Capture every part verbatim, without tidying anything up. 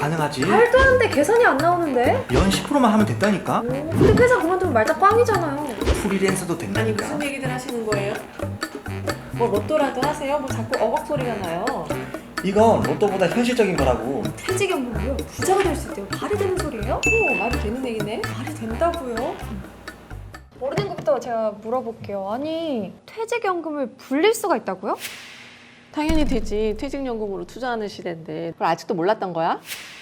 가능하지. 말도 안 돼. 계산이 안 나오는데? 연 십 퍼센트만 하면 됐다니까. 오, 근데 회사 그만두면 말자 꽝이잖아요. 프리랜서도 아니 된다니까. 무슨 얘기들 하시는 거예요? 뭐 로또라도 하세요? 뭐 자꾸 어박 소리가 나요. 이건 로또보다 현실적인 거라고. 퇴직연금으로 부자가 될 수 있대요. 말이 되는 소리예요? 오, 말이 되는 얘기네? 말이 된다고요? 모르는 것부터 제가 물어볼게요. 아니, 퇴직연금을 불릴 수가 있다고요? 당연히 되지. 퇴직연금으로 투자하는 시대인데 그걸 아직도 몰랐던 거야?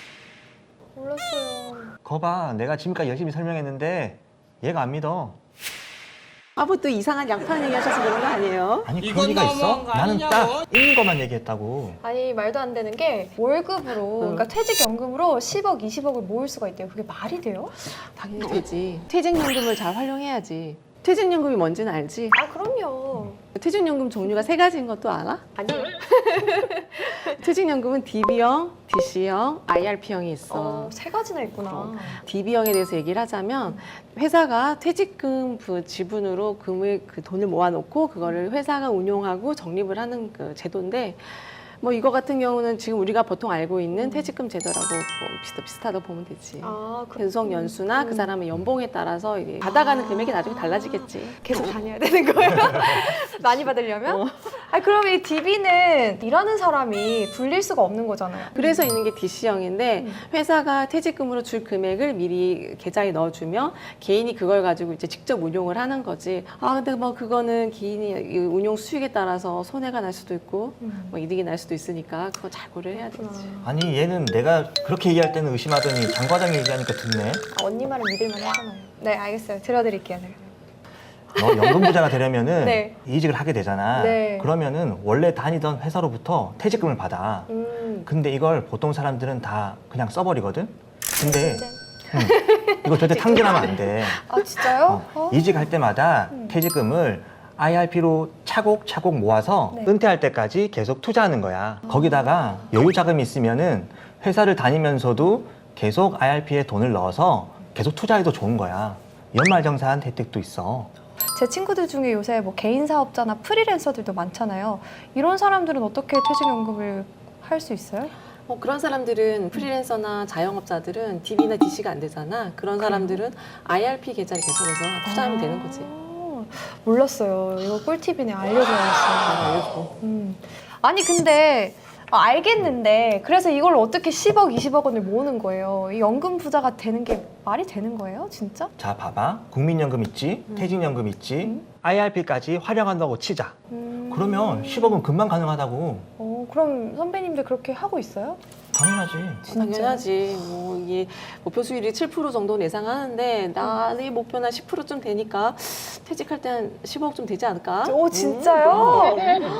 몰랐어요. 거봐, 내가 지금까지 열심히 설명했는데 얘가 안 믿어. 아 뭐 또 이상한 양파는 얘기 하셔서 그런 거 아니에요? 아니 이건 그런 리가 있어? 너무한 거 나는 아니냐고. 딱 있는 것만 얘기했다고. 아니, 말도 안 되는 게 월급으로, 그러니까 퇴직연금으로 십억, 이십억을 모을 수가 있대요. 그게 말이 돼요? 당연히 되지. 퇴직연금을 잘 활용해야지. 퇴직연금이 뭔지는 알지? 아, 그럼요. 퇴직연금 종류가 세 가지인 것도 알아? 아니요. 퇴직연금은 디비형, 디씨형, 아이알피형이 있어. 어, 세 가지나 있구나. 어. 디비형에 대해서 얘기를 하자면 회사가 퇴직금 그 지분으로 금을 그 돈을 모아놓고 그거를 회사가 운용하고 적립을 하는 그 제도인데 뭐 이거 같은 경우는 지금 우리가 보통 알고 있는 퇴직금 제도라고 뭐 비슷, 비슷하다고 보면 되지. 아, 그, 근속 연수나 그 음. 사람의 연봉에 따라서 이게 받아가는 금액이 나중에 달라지겠지. 계속 다녀야 되는 거예요? 많이 받으려면? 어. 아, 그럼 이 디비는 일하는 사람이 불릴 수가 없는 거잖아요. 그래서 있는 게 디씨형인데 음. 회사가 퇴직금으로 줄 금액을 미리 계좌에 넣어주면 개인이 그걸 가지고 이제 직접 운용을 하는 거지. 아 근데 뭐 그거는 개인이 이 운용 수익에 따라서 손해가 날 수도 있고 음. 뭐 이득이 날 수도 있으니까 그거 잘 고려해야 그렇구나. 되지. 아니 얘는 내가 그렇게 얘기할 때는 의심하더니 장 과장이 얘기하니까 듣네. 아, 언니 말은 믿을만 하잖아요. 네, 알겠어요. 들어드릴게요. 네. 너 연금 부자가 되려면은 네. 이직을 하게 되잖아. 네. 그러면은 원래 다니던 회사로부터 퇴직금을 받아. 음. 근데 이걸 보통 사람들은 다 그냥 써버리거든. 근데 네. 응, 이거 절대 탕진하면 안 돼. 아, 진짜요? 어, 어? 이직할 때마다 음. 퇴직금을 아이알피로 차곡차곡 모아서 네. 은퇴할 때까지 계속 투자하는 거야. 거기다가 여유 자금이 있으면은 회사를 다니면서도 계속 아이알피에 돈을 넣어서 계속 투자해도 좋은 거야. 연말정산 혜택도 있어. 제 친구들 중에 요새 뭐 개인 사업자나 프리랜서들도 많잖아요. 이런 사람들은 어떻게 퇴직연금을 할 수 있어요? 뭐 그런 사람들은 프리랜서나 자영업자들은 디비나 디씨가 안 되잖아. 그런 사람들은 아이알피 계좌를 개설해서 투자하면 되는 거지. 아, 몰랐어요. 이거 꿀팁이네. 잘 알려줘야겠어요. 알려줘. 음. 아니 근데 아, 알겠는데 그래서 이걸 어떻게 십억, 이십억 원을 모으는 거예요? 이 연금 부자가 되는 게 말이 되는 거예요? 진짜? 자, 봐봐. 국민연금 있지, 음. 퇴직연금 있지, 음. 아이알피까지 활용한다고 치자. 음. 그러면 십억은 금방 가능하다고. 어, 그럼 선배님들 그렇게 하고 있어요? 당연하지. 당연하지. 뭐 이게 목표 수익률이 칠 퍼센트 정도 예상하는데 나의 목표는 십 퍼센트쯤 되니까 퇴직할 때 한 십억쯤 되지 않을까? 오, 진짜요? 음.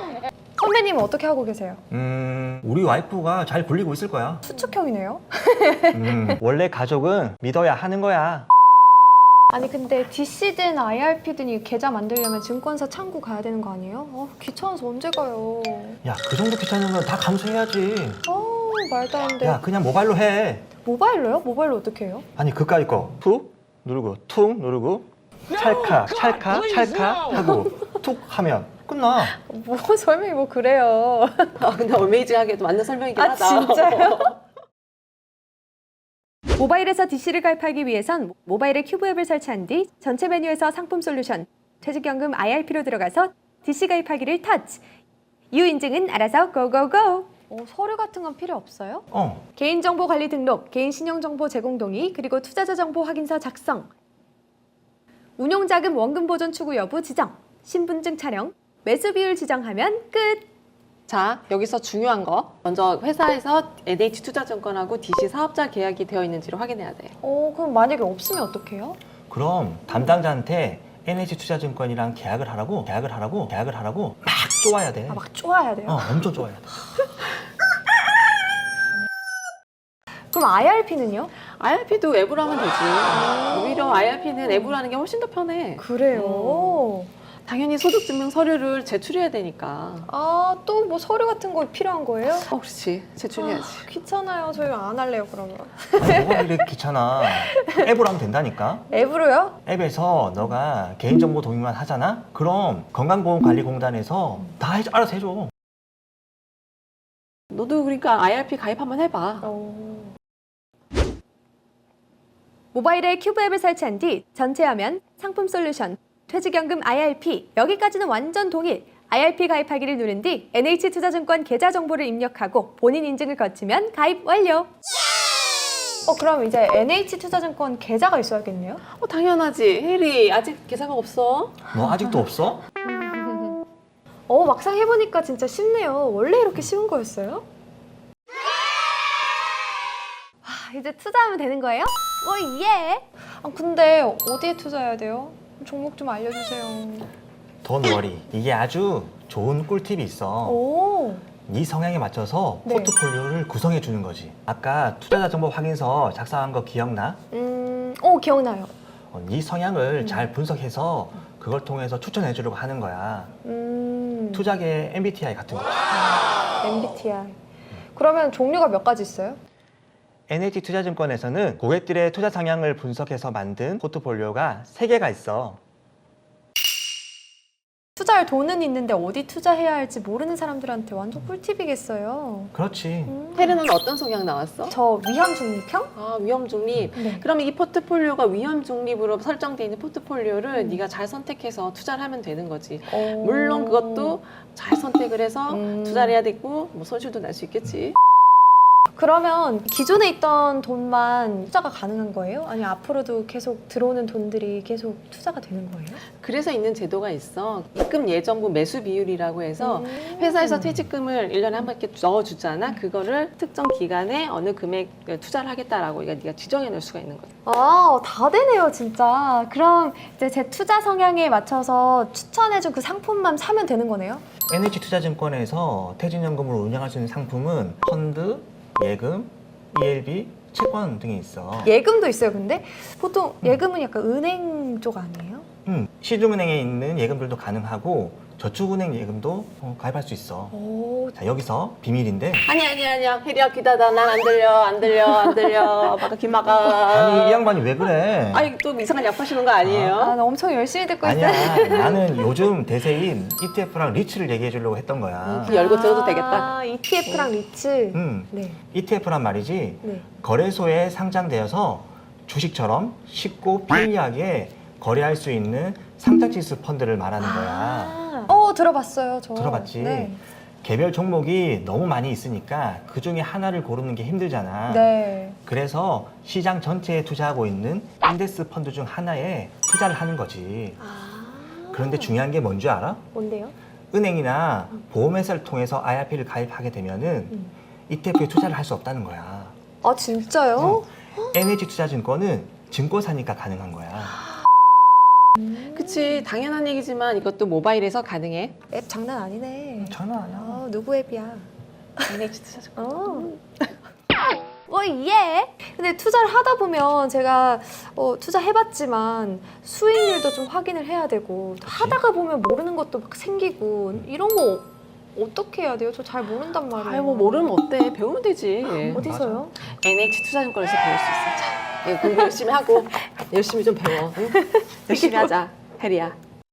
선배님은 어떻게 하고 계세요? 음, 우리 와이프가 잘 굴리고 있을 거야. 수축형이네요? 음, 원래 가족은 믿어야 하는 거야. 아니 근데 디씨든 아이알피든 이 계좌 만들려면 증권사 창구 가야 되는 거 아니에요? 어, 귀찮아서 언제 가요? 야, 그 정도 귀찮은 건 다 감수해야지. 어, 말도 안 돼. 야, 그냥 모바일로 해. 모바일로요? 모바일로 어떻게 해요? 아니, 그까이 거. 툭 누르고, 툭 누르고, 찰칵, 찰칵, 찰칵 하고, 툭 하면 끝나. 뭐 설명이 뭐 그래요? 아, 근데 어메이징하게도 맞는 설명이긴 아, 하다. 진짜요? 모바일에서 디씨를 가입하기 위해선 모바일에 큐브 앱을 설치한 뒤 전체 메뉴에서 상품 솔루션, 퇴직연금 아이알피로 들어가서 디씨 가입하기를 터치. 이후 인증은 알아서 고고고! 어, 서류 같은 건 필요 없어요? 어, 개인정보 관리 등록, 개인 신용정보 제공 동의, 그리고 투자자 정보 확인서 작성. 운용자금 원금 보존 추구 여부 지정, 신분증 촬영, 매수 비율 지정하면 끝! 자, 여기서 중요한 거. 먼저 회사에서 엔에이치투자증권하고 디씨 사업자 계약이 되어 있는지를 확인해야 돼. 어, 그럼 만약에 없으면 어떡해요? 그럼 담당자한테 엔에이치투자증권이랑 계약을 하라고, 계약을 하라고, 계약을 하라고 막 쪼아야 돼. 아, 막 쪼아야 돼요? 어, 엄청 쪼아야 돼. 그럼 아이알피는요? 아이알피도 앱으로 하면 되지. 오히려 아이알피는 앱으로 하는 게 훨씬 더 편해. 그래요? 당연히 소득증명 서류를 제출해야 되니까. 아, 또 뭐 서류 같은 거 필요한 거예요? 어, 그렇지. 제출해야지. 귀찮아요. 저희 안 할래요, 그러면. 아니, 뭐가 이렇게 귀찮아. 앱으로 하면 된다니까. 앱으로요? 앱에서 너가 개인정보 동의만 하잖아? 그럼 건강보험관리공단에서 다 해, 알아서 해줘. 너도 그러니까 아이알피 가입 한번 해봐. 어. 모바일에 큐브 앱을 설치한 뒤 전체 화면, 상품 솔루션, 퇴직연금 아이알피 여기까지는 완전 동일. 아이알피 가입하기를 누른 뒤 엔에이치투자증권 계좌 정보를 입력하고 본인 인증을 거치면 가입 완료. 어, 그럼 이제 엔에이치투자증권 계좌가 있어야겠네요? 어, 당연하지. 혜리 아직 계좌가 없어? 뭐 아직도 없어? 어, 막상 해보니까 진짜 쉽네요. 원래 이렇게 쉬운 거였어요? 아, 이제 투자하면 되는 거예요? 오 예! 아, 근데 어디에 투자해야 돼요? 종목 좀 알려주세요. Don't worry. 이게 아주 좋은 꿀팁이 있어. 오, 네 성향에 맞춰서 네. 포트폴리오를 구성해 주는 거지. 아까 투자자 정보 확인서 작성한 거 기억나? 음, 오, 기억나요. 어, 네 성향을 음. 잘 분석해서 그걸 통해서 추천해 주려고 하는 거야. 음, 투자계 엠비티아이 같은 거. 엠비티아이. 그러면 종류가 몇 가지 있어요? 엔에이치투자증권에서는 고객들의 투자 성향을 분석해서 만든 포트폴리오가 세 개가 있어. 투자할 돈은 있는데 어디 투자해야 할지 모르는 사람들한테 완전 꿀팁이겠어요. 그렇지. 음. 혜리는 어떤 성향 나왔어? 저 위험 중립형? 아, 위험 중립. 네. 그러면 이 포트폴리오가 위험 중립으로 설정되어 있는 포트폴리오를 음. 네가 잘 선택해서 투자를 하면 되는 거지. 오. 물론 그것도 잘 선택을 해서 음. 투자를 해야 되고 뭐 손실도 날 수 있겠지. 그러면 기존에 있던 돈만 투자가 가능한 거예요? 아니 앞으로도 계속 들어오는 돈들이 계속 투자가 되는 거예요? 그래서 있는 제도가 있어. 입금 예정부 매수 비율이라고 해서 음. 회사에서 퇴직금을 일 년에 한 번 이렇게 넣어주잖아. 그거를 특정 기간에 어느 금액 투자를 하겠다라고 네가 네가 지정해 놓을 수가 있는 거야. 아, 다 되네요, 진짜. 그럼 이제 제 투자 성향에 맞춰서 추천해준 그 상품만 사면 되는 거네요? 엔에이치투자증권에서 퇴직연금을 운영할 수 있는 상품은 펀드, 예금, 이엘비, 채권 등이 있어. 예금도 있어요, 근데? 보통 예금은 약간 은행 쪽 아니에요? 음, 시중은행에 있는 예금들도 가능하고 저축은행 예금도 어, 가입할 수 있어. 오, 자, 여기서 비밀인데 아니 아니 아니야. 혜리야 기다다. 난 안 들려 안 들려 안 들려. 막아 김막아. 아니 이 양반이 왜 그래? 아니 또 이상한 약 파시는 거 아니에요? 아, 나 엄청 열심히 듣고 아니야. 있어요. 나는 요즘 대세인 이티에프랑 리츠를 얘기해 주려고 했던 거야. 음, 열고 들어도 되겠다. 아, 이티에프랑 리츠. 음, 네, 이티에프란 말이지 네. 거래소에 상장되어서 주식처럼 쉽고 편리하게 거래할 수 있는 상장지수 펀드를 말하는 거야. 아, 어, 들어봤어요, 저. 들어봤지? 네. 개별 종목이 너무 많이 있으니까 그 중에 하나를 고르는 게 힘들잖아. 네. 그래서 시장 전체에 투자하고 있는 인덱스 펀드 중 하나에 투자를 하는 거지. 아. 그런데 중요한 게 뭔지 알아? 뭔데요? 은행이나 보험회사를 통해서 아이알피를 가입하게 되면은 음. 이티에프에 투자를 할 수 없다는 거야. 아, 진짜요? 엔에이치투자증권은 증권사니까 가능한 거야. 그치 당연한 얘기지만 이것도 모바일에서 가능해. 앱 장난 아니네. 장난 아니야. 아, 누구 앱이야? 엔에이치 투자증권. 어. 어, 예. 근데 투자를 하다 보면 제가 어, 투자해봤지만 수익률도 좀 확인을 해야 되고 또 하다가 보면 모르는 것도 막 생기고 이런 거 어떻게 해야 돼요? 저 잘 모른단 말이에요. 아이 뭐 모르면 어때? 배우면 되지. 어디서요? 엔에이치 투자증권에서 배울 수 있어. 자, 이거 공부 열심히 하고 열심히 좀 배워. 응? 열심히 하자, 혜리야.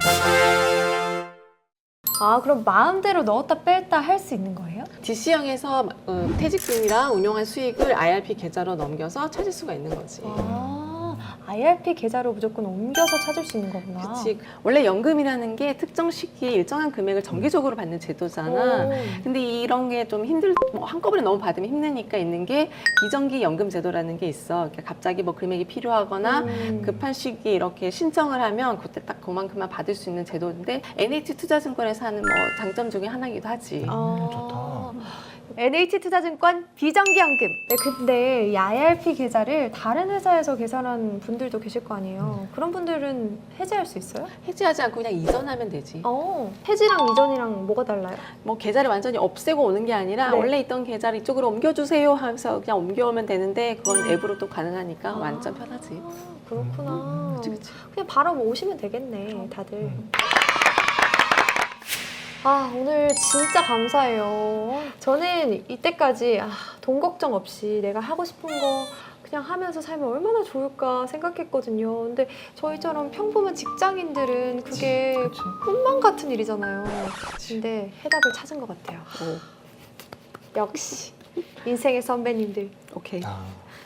아, 그럼 마음대로 넣었다 뺐다 할 수 있는 거예요? 디씨형에서 어, 퇴직금이랑 운용한 수익을 아이알피 계좌로 넘겨서 찾을 수가 있는 거지. 아, 아이알피 계좌로 무조건 옮겨서 찾을 수 있는 거구나. 그치. 원래 연금이라는 게 특정 시기에 일정한 금액을 정기적으로 받는 제도잖아. 오. 근데 이런 게 좀 힘들, 뭐 한꺼번에 너무 받으면 힘드니까 있는 게 비정기 연금 제도라는 게 있어. 그러니까 갑자기 뭐 금액이 필요하거나 음. 급한 시기에 이렇게 신청을 하면 그때 딱 그만큼만 받을 수 있는 제도인데 엔에이치 투자증권에서 하는 뭐 장점 중에 하나이기도 하지. 아. 좋다. 엔에이치투자증권 비정기연금. 네, 근데 이 아이알피 계좌를 다른 회사에서 계산한 분들도 계실 거 아니에요. 그런 분들은 해지할 수 있어요? 해지하지 않고 그냥 이전하면 되지. 어, 해지랑 이전이랑 뭐가 달라요? 뭐 계좌를 완전히 없애고 오는 게 아니라 네. 원래 있던 계좌를 이쪽으로 옮겨주세요 하면서 그냥 옮겨오면 되는데 그건 앱으로 또 가능하니까 완전 편하지. 아, 그렇구나. 그치, 그치. 그냥 바로 뭐 오시면 되겠네, 다들. 음. 아, 오늘 진짜 감사해요. 저는 이때까지 아, 돈 걱정 없이 내가 하고 싶은 거 그냥 하면서 살면 얼마나 좋을까 생각했거든요. 근데 저희처럼 평범한 직장인들은 그게 그치. 꿈만 같은 일이잖아요. 근데 해답을 찾은 것 같아요. 오. 역시 인생의 선배님들. 오케이. 아.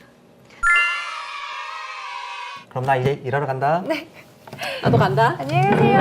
그럼 나 이제 일하러 간다. 네. 나도 간다. 안녕히 계세요.